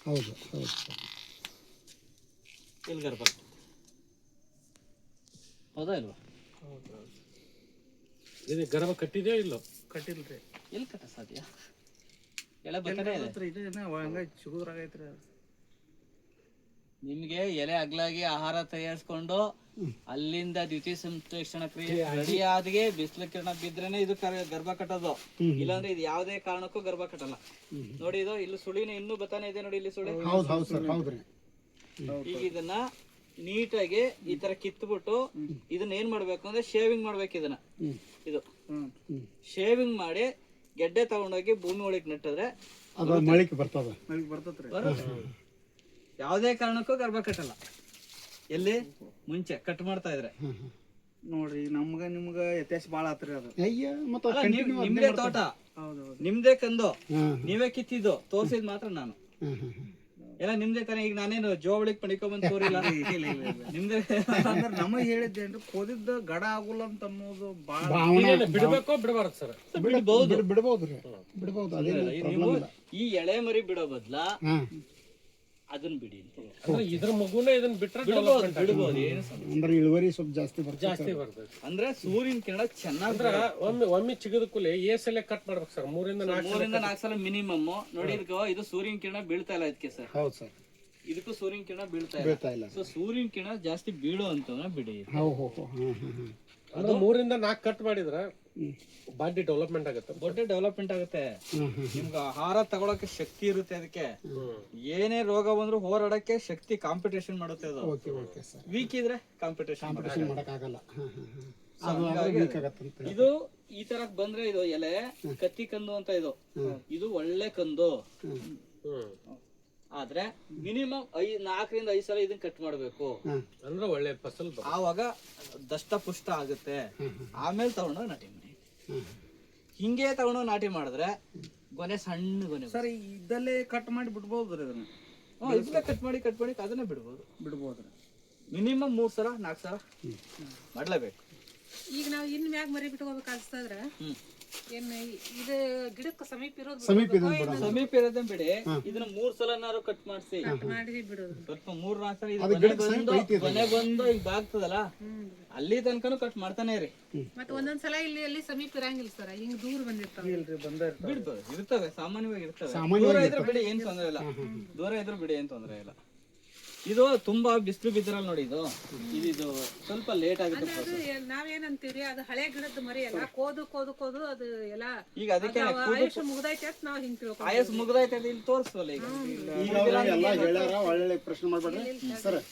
ಹೌದು ಹೌದು ಸರ್. ಇಲ್ಲಿ ಗರ್ಭ ಹೌದಾ ಇಲ್ವಾ? ಇದು ಗರ್ಭ ಕಟ್ಟಿದೆಯೋ ಇಲ್ಲೋ? ಕಟ್ಟಿಲ್ರಿ. ಎಲ್ಲಿ ಕಟ್ಟ ಸಾಧ್ಯ? ಎಳೆ ಬರ್ತಾನೆ ಇದೆ. ಚಿಗುದ್ರಾಗೈತ್ರಿ. ನಿಮ್ಗೆ ಎಲೆ ಅಗ್ಲಾಗಿ ಆಹಾರ ತಯಾರಿಸ್ಕೊಂಡು ಅಲ್ಲಿಂದ ದ್ವಿತೀಯ ಸಂಶ್ಲೇಷಣ ಕ್ರಿಯೆ ರೆಡಿ ಆದ್ಗೆ ಬಿಸಿಲು ಕಿರಣ ಬಿದ್ರೇನೆ ಇದು ಗರ್ಭ ಕಟ್ಟೋದು. ಇಲ್ಲಾಂದ್ರೆ ಇದು ಯಾವುದೇ ಕಾರಣಕ್ಕೂ ಗರ್ಭ ಕಟ್ಟಲ್ಲ. ನೋಡಿ ಇದು ಇಲ್ಲಿ ಸುಳಿನ ಇನ್ನೂ ಬತ್ತಾನೆ ಇದೆ ನೋಡಿ, ಇಲ್ಲಿ ಸುಳಿ. ಹೌದು ಹೌದು ಸರ್, ಹೌದ್ರಿ. ಈಗ ಇದನ್ನ ನೀಟಾಗಿ ಈ ತರ ಕಿತ್ಬಿಟ್ಟು ಇದನ್ನ ಏನ್ ಮಾಡ್ಬೇಕು ಅಂದ್ರೆ ಶೇವಿಂಗ್ ಮಾಡ್ಬೇಕು. ಇದನ್ನ ಇದು ಶೇವಿಂಗ್ ಮಾಡಿ ಗೆಡ್ಡೆ ತಗೊಂಡೋಗಿ ಭೂಮಿ ಒಳಗೆ ನೆಟ್ಟಿದ್ರೆ ಅದು ಮಳಿಕೆ ಬರ್ತದ. ಯಾವುದೇ ಕಾರಣಕ್ಕೂ ಗರ್ಭ ಕಟ್ಟಲ್ಲ. ಎಲ್ಲಿ ಮುಂಚೆ ಕಟ್ ಮಾಡ್ತಾ ಇದ್ರೆ ನೋಡ್ರಿ, ನಮ್ಗ ನಿಮ್ಗ ವ್ಯತ್ಯಾಸ ಬಾಳ ಆತ್ರಿ ಅದು. ಅಯ್ಯ ಮತ್ತೆ ಅಲ್ಲ, ನಿಮ್ದೇ ತೋಟ, ನಿಮ್ದೇ ಕಂದು, ನೀವೇ ಕಿತ್ತಿದ್ದು ತೋರ್ಸಿದ್ ಮಾತ್ರ ನಾನು. ಎಲ್ಲ ನಿಮ್ದೇ ತಾನೆ. ಈಗ ನಾನೇನು ಜೋವಳಿಗೆ ಪಡಿಕೊಂಡ್ ತೋರಿಲ್ಲ, ನಿಮ್ದೇ. ನಮಗ್ ಹೇಳಿದ್ದೇನ್ರಿ, ಕೋದಿದ್ದ ಗಡ ಆಗುಲ್ಲ ಅಂತ ಅನ್ನೋದು ಬಾಳ. ಬಿಡ್ಬೇಕೋ ಬಿಡಬಾರ್ದು ಸರ್? ಬಿಡ್ಬಹುದು, ಬಿಡ್ಬೋದ್ರಿ, ಬಿಡ್ಬೋದು. ನೀವು ಈ ಎಳೆ ಮರಿ ಬಿಡೋ ಬದ್ಲ ಅದನ್ನ ಬಿಡಿ. ಅಂದ್ರೆ ಇದ್ರ ಮಗುನೇ ಇದನ್ನ ಬಿಟ್ರೆ ಬಿಡ್ಬೋದು. ಏನು ಅಂದ್ರೆ ಇಳುವರಿ ಸ್ವಲ್ಪ ಜಾಸ್ತಿ ಬರ್ತದೆ. ಅಂದ್ರೆ ಸೂರ್ಯನ ಕಿರಣ ಚೆನ್ನಾಗಿ ಒಮ್ಮೆ ಚಿಗದ ಕೂಲಿ ಎಷ್ಟೆಲ್ಲ ಕಟ್ ಮಾಡ್ಬೇಕು ಸರ್? 3 ರಿಂದ 4 ಸಲ ಮಿನಿಮಮ್. ನೋಡಿ ಇದು ಸೂರ್ಯನ ಕಿರಣ ಬೀಳ್ತಾ ಇಲ್ಲ ಇದಕ್ಕೆ ಸರ್. ಹೌದು ಸರ್, ಇದಕ್ಕೂ ಸೂರ್ಯನ ಕಿರಣ ಬೀಳ್ತಾ ಇಲ್ಲ. ಸೊ ಸೂರ್ಯನ ಕಿರಣ ಜಾಸ್ತಿ ಬೀಳೋ ಅಂತಂದ್ರೆ ಬಿಡಿ. ಅಂದ್ರೆ 3 ರಿಂದ 4 ಕಟ್ ಮಾಡಿದ್ರ ಬಾಡಿ ಡೆವಲಪ್ಮೆಂಟ್ ಆಗುತ್ತೆ, ದೊಡ್ಡ ಡೆವಲಪ್ಮೆಂಟ್ ಆಗುತ್ತೆ. ನಿಮ್ಗೆ ಆಹಾರ ತಗೊಳಕ್ಕೆ ಶಕ್ತಿ ಇರುತ್ತೆ. ಅದಕ್ಕೆ ಏನೇ ರೋಗ ಬಂದ್ರು ಹೋರಾಡಕ್ಕೆ ಶಕ್ತಿ, ಕಾಂಪಿಟೇಷನ್ ಮಾಡುತ್ತೆ ಅದು. ವೀಕ್ ಇದ್ರೆ ಕಾಂಪಿಟೇಷನ್ ಮಾಡಕ್ಕಾಗಲ್ಲ. ಇದು ಈ ತರ ಬಂದ್ರೆ ಇದು ಎಲೆ ಕತ್ತಿ ಕಂದು ಅಂತ ಇದು ಒಳ್ಳೆ ಕಂದು. ಆದ್ರೆ ಮಿನಿಮಮ್ 4 ರಿಂದ 5 ಸಲ ಇದನ್ನ ಕಟ್ ಮಾಡ್ಬೇಕು. ಅಂದ್ರೆ ಒಳ್ಳೆ ಫಸಲ್, ಆವಾಗ ದಷ್ಟ ಪುಷ್ಟ ಆಗುತ್ತೆ. ಆಮೇಲೆ ತಗೊಂಡೋಗಿ ನಾಟಿ ಮಾಡಿ. ಹಿಂಗೆ ತಗೊಂಡೋಗಿ ನಾಟಿ ಮಾಡಿದ್ರೆ ಗೊನೆ ಸಣ್ಣ ಗೊನೆ ಸರ್, ಇದ್ದಲ್ಲೇ ಕಟ್ ಮಾಡಿ ಬಿಡ್ಬೋದ್ರಿ ಅದನ್ನ. ಇದನ್ನ ಕಟ್ ಮಾಡಿ ಅದನ್ನೇ ಬಿಡ್ಬೋದ್ರಿ. ಮಿನಿಮಮ್ 3 ಸಲ 4 ಸಲ ಮಾಡ್ಲೇಬೇಕು. ಈಗ ನಾವು ಇನ್ ಮ್ಯಾಗ ಮರಿ ಬಿಟ್ಕೋಬೇಕಾದ್ರೆ ಏನ್ ಇದು ಗಿಡಕ್ಕೆ ಸಮೀಪ ಇರೋದು ಸಮೀಪ ಇರೋದೇ ಬಿಡಿ. ಇದನ್ನ 3 ಸಲನಾರು ಕಟ್ ಮಾಡಿಸಿ ಬಿಡೋದು. ಸ್ವಲ್ಪ 3-4 ಸಲ ಕೊನೆ ಬಂದು ಈಗ ಬಾಗ್ತದಲ್ಲ ಅಲ್ಲಿ ತನಕನು ಕಟ್ ಮಾಡ್ತಾನೆ ರೀ. ಮತ್ತೆ ಒಂದೊಂದ್ಸಲ ಇಲ್ಲಿ ಸಮೀಪ ಇರಂಗಿಲ್ಲ ಸರ್, ಹಿಂಗ್ ದೂರ ಬಂದಿರ್ತಾವೆ. ಬಿಡ್ಬೋದು, ಇರ್ತವೆ, ಸಾಮಾನ್ಯವಾಗಿ ಇರ್ತವೆ. ದೂರ ಇದ್ರೆ ಬಿಡಿ, ಏನ್ ತೊಂದ್ರೆ ಇಲ್ಲ. ದೂರ ಇದ್ರೆ ಬಿಡಿ, ಏನ್ ತೊಂದ್ರೆ ಇಲ್ಲ. ಇದು ತುಂಬಾ ಬಿಸಿಲು ಬಿದ್ದಿರಲ್ಲ ನೋಡಿ. ಇದು ಸ್ವಲ್ಪ ಲೇಟ್ ಆಗುತ್ತೆ. ನಾವೇನಂತೀವ್ರಿ, ಅದು ಹಳೆ ಗಿಡದ ಮರಿ ಎಲ್ಲ ಕೋದು ಅದು ಎಲ್ಲ. ಈಗ ಅದಕ್ಕೆ ಆಯುಷ್ ಮುಗ್ದೈತೆ ಅಂತ ನಾವ್ ಹಿಂಗ್ ತಿಳ್ಕೊಂಡ್ವಿ. ಆಯಸ್ ಮುಗ್ದೈತೆ ಇಲ್ಲಿ ತೋರಿಸ್ವಲ್ಲ. ಈಗ ಎಲ್ಲ ಹೇಳ್ಯಾರ, ಒಳ್ಳೆ ಪ್ರಶ್ನೆ ಮಾಡ್ಬೇಡ್ರಿ ಸರ್.